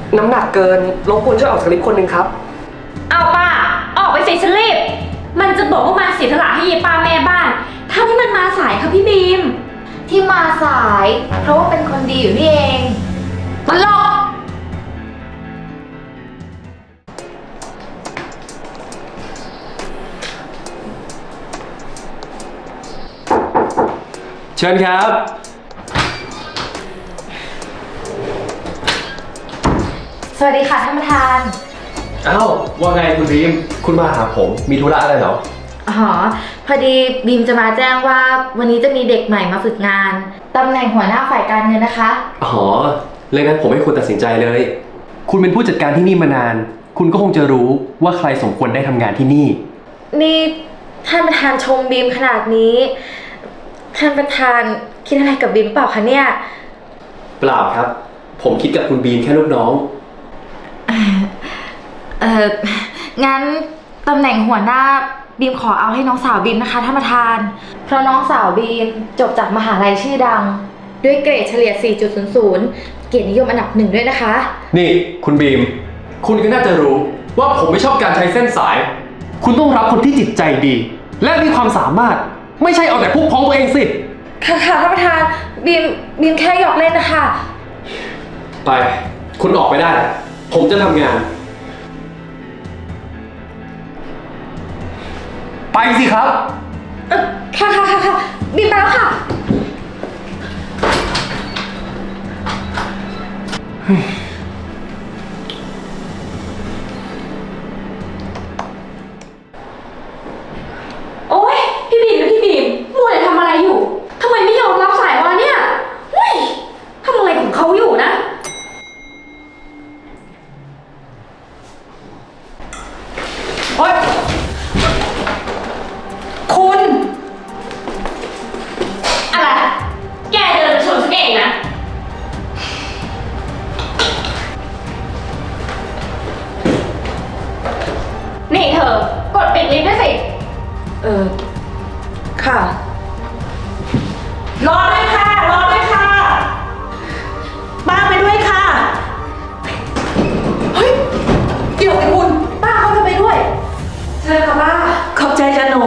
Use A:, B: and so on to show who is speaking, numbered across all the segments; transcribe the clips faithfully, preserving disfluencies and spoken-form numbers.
A: น้ำหนักเกินรบกวนช่วยออกจากลิฟต์คนหนึ่งครับ
B: เอาป้าออกไปสิฉันรีบมันจะบอกว่ามาเสียสละให้ยายป้าแม่บ้านทำให้มันมาสายค่ะพี่บีม
C: ที่มาสายเพราะว่าเป็นคนดีอยู่นี่เองตลก
A: เชิญครับ
C: สวัสดีค่ะท่านประธาน
A: อ้าวว่าไงคุณบีมคุณมาหาผมมีธุระอะไรเหรอ
C: อ๋อพอดีบีมจะมาแจ้งว่าวันนี้จะมีเด็กใหม่มาฝึกงานตำแหน่งหัวหน้าฝ่ายการเงินนะคะ
A: อ๋อเรื่องนั้นผมให้คุณตัดสินใจเลยคุณเป็นผู้จัดการที่นี่มานานคุณก็คงจะรู้ว่าใครสมควรได้ทำงานที่นี่
C: นี่ท่านประธานชมบีมขนาดนี้ท่านประธานคิดอะไรกับบีมเปล่าคะเนี่ย
A: เปล่าครับผมคิดกับคุณบีมแค่ลูกน้อง
C: เอองั้นตำแหน่งหัวหน้าบีมขอเอาให้น้องสาวบีมนะคะท่านประธานเพราะน้องสาวบีมจบจากมหาลัยชื่อดังด้วยเกรดเฉลี่ย สี่จุดศูนย์ศูนย์ เกียรตินิยมอันดับหนึ่งด้วยนะคะ
A: นี่คุณบีมคุณก็น่าจะรู้ว่าผมไม่ชอบการใช้เส้นสายคุณต้องรับคนที่จิตใจดีและมีความสามารถไม่ใช่เอาแต่พุกพ้องตัวเองสิ
C: ค่ะค่ะท่านประธานบีมบีมแค่หยอกเล่นนะคะ
A: ไปคุณออกไปได้ผมจะทำงานไปสิครับ
C: เออค่ะค่ะค่ะค่ะบีมไปแล้วค่ะ
B: โอ๊ยพี่บีมพี่บีมมัวแต่ทำอะไรอยู่ทำไมไม่ยอมรับสายวะเนี่ยเฮ้ยทำอะไรของเขาอยู่นะโอ๊ยคุณอะไรแกเดินมาชนฉันเองนะนี่เธอกดปิดลิฟต์ด้วยสิ
C: เออค่ะ
B: รอด้วยค่ะรอด้วยค่ะป้าไปด้วยค่ะเฮ้ยเดี๋ยวไอ้คุณป้าเขาจะไปด้วยเชิญค่ะป้า
D: ขอบใจจ้ะหนู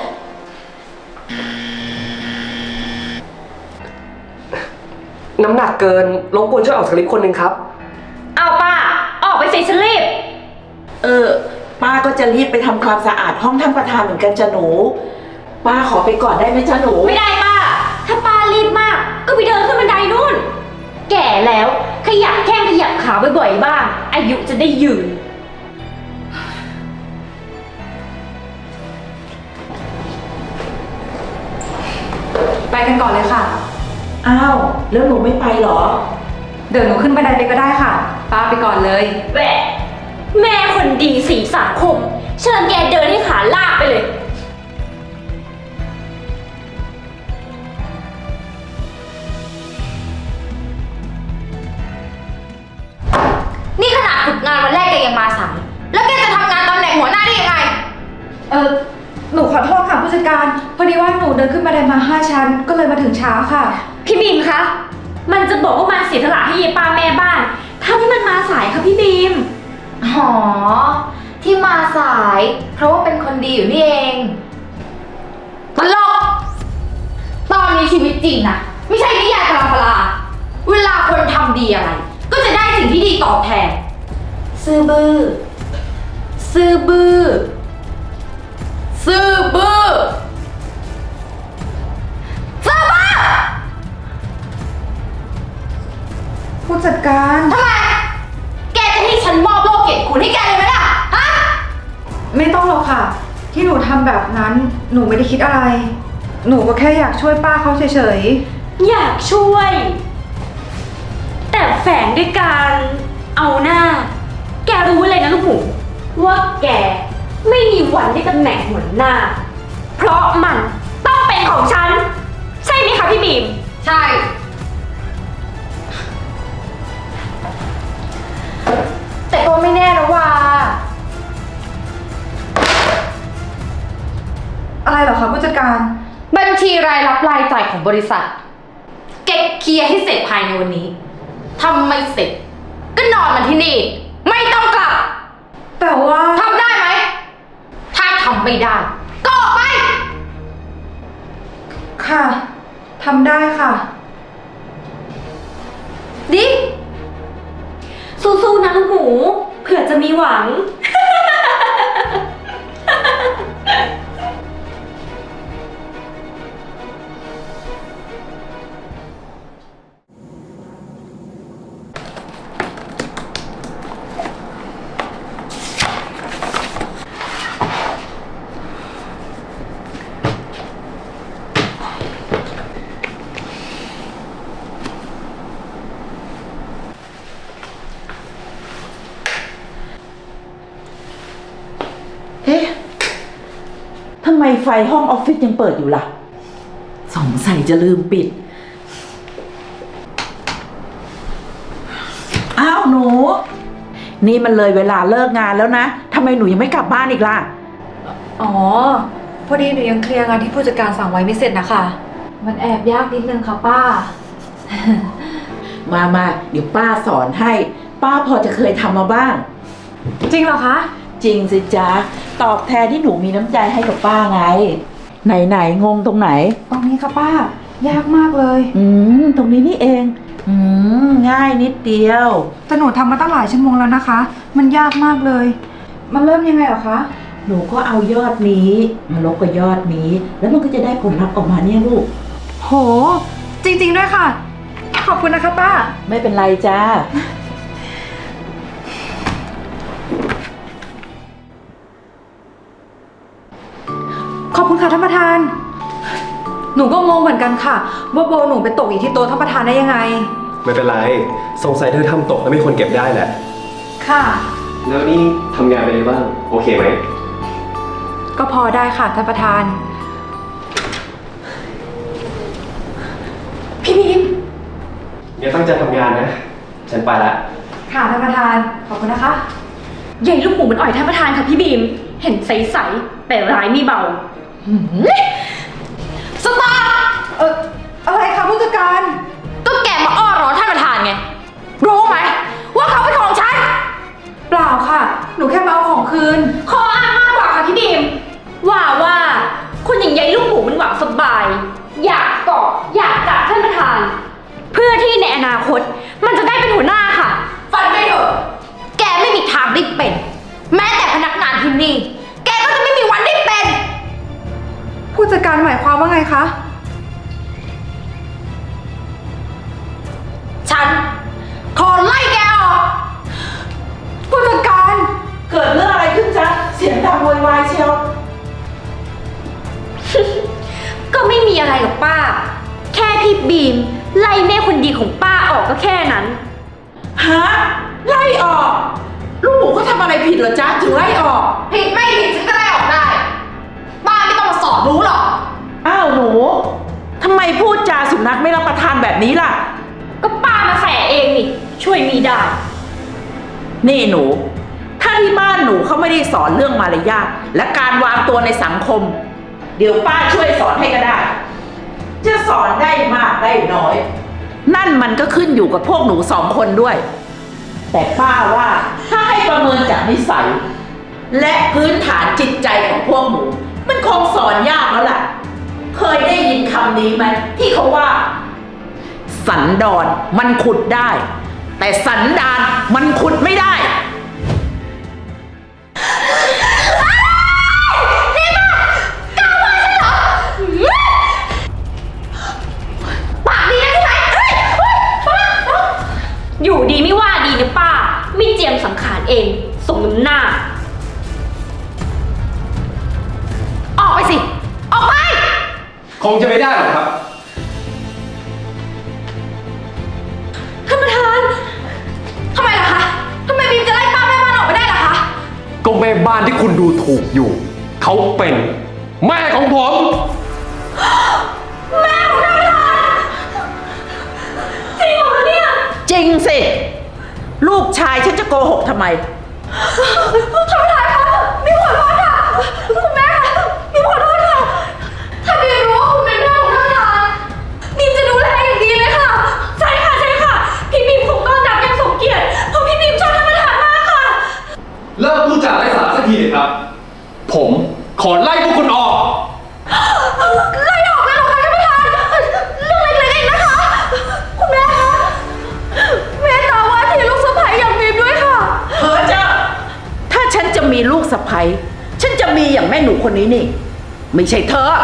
A: น้ำหนักเกินรบกวนช่วยออกจากลิฟต์คนหนึ่งครับ
B: เอาป้าออกไปสิฉันรีบ
D: เออป้าก็จะรีบไปทำความสะอาดห้องท่านประธานเหมือนกันจ้ะหนูป้าขอไปก่อนได้ไหมจ้ะหนู
B: ไม่ได้ป้าถ้าป้ารีบมากก็ไปเดินขึ้นบันไดนู่นแก่แล้วขยับแข้งขยับขาบ่อยๆบ้างอายุจะได้ยืน
E: ไปกันก่อนเลยค่ะ
D: อ้าวแล้วหนูไม่ไปเหรอ
E: เดี๋ยวหนูขึ้นบันไดไปก็ได้ค่ะป้าไปก่อนเลย
B: แหวะแม่คนดีสีสังคมเชิญแกเดินให้ขาลากไปเลย
C: นี่ขนาดฝึกงานวันแรกแกยังมาสายแล้วแกจะทำงานตำแหน่งหัวหน้าได้ยังไง
E: เออหนูขอโทษค่ะผู้จัดการพอดีว่าหนูเดินขึ้นบันไดมาห้าชั้นก็เลยมาถึงช้าค่ะ
B: พี่บีมคะมันจะบอกว่ามาเสียสละให้ยายป้าแม่บ้านทำให้มันมาสายค่ะพี่บีม
C: อ๋อที่มาสายเพราะว่าเป็นคนดีอยู่นี่เองตลกตอนนี้ชีวิตจริงนะไม่ใช่นิยายพลาพลาเวลาคนทำดีอะไรก็จะได้สิ่งที่ดีตอบแทนซื่อบื้อซื่อบื้อซื่อบื้อซื่อบื้อ
E: ผู้จัดการ
C: ทำไมแกจะให้ฉันมอบโลกเกียรติคุณให้แกเลยไหมล่ะฮะ
E: ไม่ต้องหรอกค่ะที่หนูทำแบบนั้นหนูไม่ได้คิดอะไรหนูก็แค่อยากช่วยป้าเขาเฉย
B: ๆอยากช่วยแต่แฝงด้วยการเอาหน้าแกรู้เลยนะลูกหมูว่าแกไม่มีวันได้ตำแหน่งหัวหน้าเพราะมันต้องเป็นของฉันใช่ไหมคะพี่บีม
C: ใช่แต่ก็ไม่แน่นะว่า
E: อะไรเหรอคะผู้จัดการ
C: บัญชีรายรับรายจ่ายของบริษัทเก็บเคลียร์ให้เสร็จภายในวันนี้ทำไม่เสร็จก็นอนมันที่นี่ ไม่ต้องกลับ
E: แต่ว่า
C: ทำได้ไหม ถ้าทำไม่ได้ ก็ออกไป
E: ค่ะทำได้ค่ะ
B: ดิ สู้ๆนะลูกหมู เผื่อจะมีหวัง
D: เอ๊ะ ทำไมไฟห้องออฟฟิศยังเปิดอยู่ล่ะ สงสัยจะลืมปิด อ้าวหนู นี่มันเลยเวลาเลิกงานแล้วนะ ทำไมหนูยังไม่กลับบ้านอีกล่ะ
E: อ๋อ พอดีหนูยังเคลียร์งานที่ผู้จัดการสั่งไว้ไม่เสร็จนะคะ มันแอบยากนิดนึงค่ะป้า
D: มามาเดี๋ยวป้าสอนให้ ป้าพอจะเคยทำมาบ้าง
E: จริงเหรอคะ
D: จริงสิจ๊ะ ตอบแทนที่หนูมีน้ำใจให้กับป้าไง ไหนไหนงงตรงไหน
E: ตรงนี้ค่ะป้า ยากมากเลย
D: อืม ตรงนี้นี่เอง อืม ง่ายนิดเดียว
E: แต่หนูทำมาตั้งหลายชั่วโมงแล้วนะคะ มันยากมากเลย มันเริ่มยังไงเหรอคะ
D: หนูก็เอายอดนี้มาลบกับยอดนี้ แล้วมันก็จะได้ผลลัพธ์ออกมาเนี่ยลูก
E: โห จริงๆด้วยค่ะ ขอบคุณนะคะป้า
D: ไม่เป็นไรจ้า
E: ขอบคุณค่ะท่านประธาน หนูก็งงเหมือนกันค่ะ ว่าโบหนูไปตกอยู่ที่โต๊ะท่านประธานได้ยังไง
F: ไม่เป็นไร สงสัยเธอทำตกแล้วมีคนเก็บได้แหละ
E: ค่ะ
F: แล้วนี่ทำงานไปเลยบ้าง โอเคไหม
E: ก็พอได้ค่ะท่านประธาน พี่บีม
F: เนี่ยตั้งใจทำงานนะ ฉันไปละ
E: ค่ะท่านประธาน ขอบคุณนะคะ
B: ใหญ่ลูกหมูมันอ่อยท่านประธานค่ะพี่บีม เห็นใสๆแต่ร้ายไม่เบา
C: สตาร์
E: เอออะไรคะผู้จัดการ
C: ก็แกมาอ้อร้อนท่านประธานไง รู้ไหม ว่าเขาเป็นของฉัน
E: เปล่าค่ะ หนูแค่มาเอาของคืน
B: ข้ออ้างมากกว่าค่ะพี่บีม ว่าว่าคนอย่างใหญ่ลูกหมูมันหวังสบาย อยากเกาะอยากจับท่านประธาน เพื่อที่ในอนาคตมันจะได้เป็นหัวหน้าค่ะ
C: ฟันไปเถอะ แกไม่มีทางได้เป็น แม้แต่พนักงานที่นี่ แกก็จะไม่มีวันได้เป็น
E: ผู้จัดการหมายความว่าไงคะ
C: ฉันขอไล่แกออก
E: ผู้จัดการ
D: เกิดเรื่องอะไรขึ้นจ๊ะ เสียงดังโวยวายเชียว
B: ก็ไม่มีอะไรหรอกป้า แค่พี่บีม ไล่แม่คนดีของป้าออกก็แค่นั้น
D: ฮะ ไล่ออก ลูกหมูเขาทำอะไรผิดเหรอจ๊ะ ถึงไล่ออก
C: ผิดไม่ผิดฉันก็ไล่ออกได้ ป้าไม่ต้องมาสอนรู้หรอก
D: อ้าวหนู ทำไมพูดจาสุนัขไม่รับประทานแบบนี้ล่ะ
B: ก็ป้ามาแฝเองนี่ ช่วยมีได้
D: นี่หนู ถ้าที่บ้านหนูเขาไม่ได้สอนเรื่องมารยาทและการวางตัวในสังคม เดี๋ยวป้าช่วยสอนให้ก็ได้ จะสอนได้มากได้น้อย นั่นมันก็ขึ้นอยู่กับพวกหนูสองคนด้วย แต่ป้าว่าถ้าให้ประเมินจากนิสัย และพื้นฐานจิตใจของพวกหนู มันคงสอนยากแล้วล่ะ เคยได้ยินคำนี้ไหมที่เขาว่า สันดอนมันขุดได้ แต่สันดานมันขุดไม่ได้
C: ปากดีนะใช่ไหมเฮ้ยเฮ้ยป้าป้า
B: อยู่ดีไม่ว่าดีนะป้า ไม่เจียมสังขารเองสมน้ำหน้า
C: ออกไปสิ ออกไป
A: คงจะไม่ได้หรอกครับ
C: ท่านประธาน ทำไมล่ะคะ ทำไมบีมจะไล่ป้าแม่บ้านออกไปได้ล่ะคะ
A: ก็แม่บ้านที่คุณดูถูกอยู่ เขาเป็น แม่ของผม
D: จริงสิ ลูกชายฉันจะโกหกทำไม
C: ท่านประธานคะบีมขอโทษค่ะ คุณแม่คะบีมขอโทษค่ะ ถ้าบีมรู้ว่าคุณเป็นแม่ของท่านประธานบีมจะดูแลอย่างดีเลยค่ะ
B: ใช่ค่ะใช่ค่ะ พี่บีมคงต้อนรับอย่างสมเกียรติเพราะ
A: ทีเลยครับ ผมขอไล่พวกคุณออก
C: ไล่ออกเลยเหรอคะท่านประธานเรื่องเล็กๆเองนะคะ คุณแม่คะเมตตาว่าที่ลูกสะใภ้อย่างบีมด้วยค่ะ
D: เฮ้อเจ้าถ้าฉันจะมีลูกสะใภ้ฉันจะมีอย่างแม่หนูคนนี้นี่ ไม่ใช่เธอ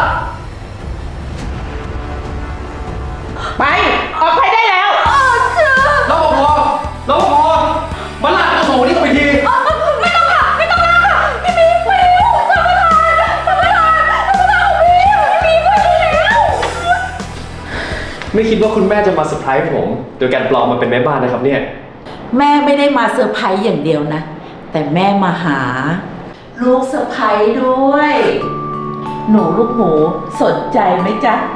D: ไป ออกไปได้แล้ว
A: รปภ รปภ มาลากตัวหนูนี่ออกไปที
C: ไม่ต้องค่ะ ไม่ต้องลากค่ะ พี่บีมไปแล้วท่านประธานท่านประธานท่านประธานของบีมพี่บีมไปแล้ว
A: ไม่คิดว่าคุณแม่จะมาเซอร์ไพรส์ผม โดยการปลอมมาเป็นแม่บ้านนะครับเนี่ย
D: แม่ไม่ได้มาเซอร์ไพรส์อย่างเดียวนะ แต่แม่มาหา ลูกสะใภ้ด้วย หนูลูกหมูสนใจไหมจ๊ะ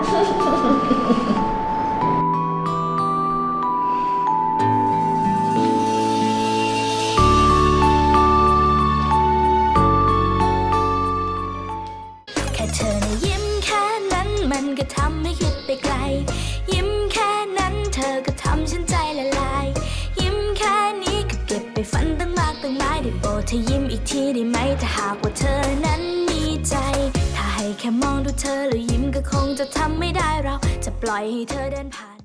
G: แค่เธอนะยิ้มแค่นั้นมันก็ทำให้คิดไปไกล ยิ้มแค่นั้นเธอก็ทำฉันใจละลาย ยิ้มแค่นี้ก็เก็บไปฝันตั้งมากตั้งหลายได้โปรดเธอยิ้มอีกทีได้ไหมถ้าหากว่าเธอนั้นมีใจ ถ้าให้แค่มองดูเธอแล้วยิ้มก็คงจะทำไม่ได้เราจะปล่อยให้เธอเดินผ่าน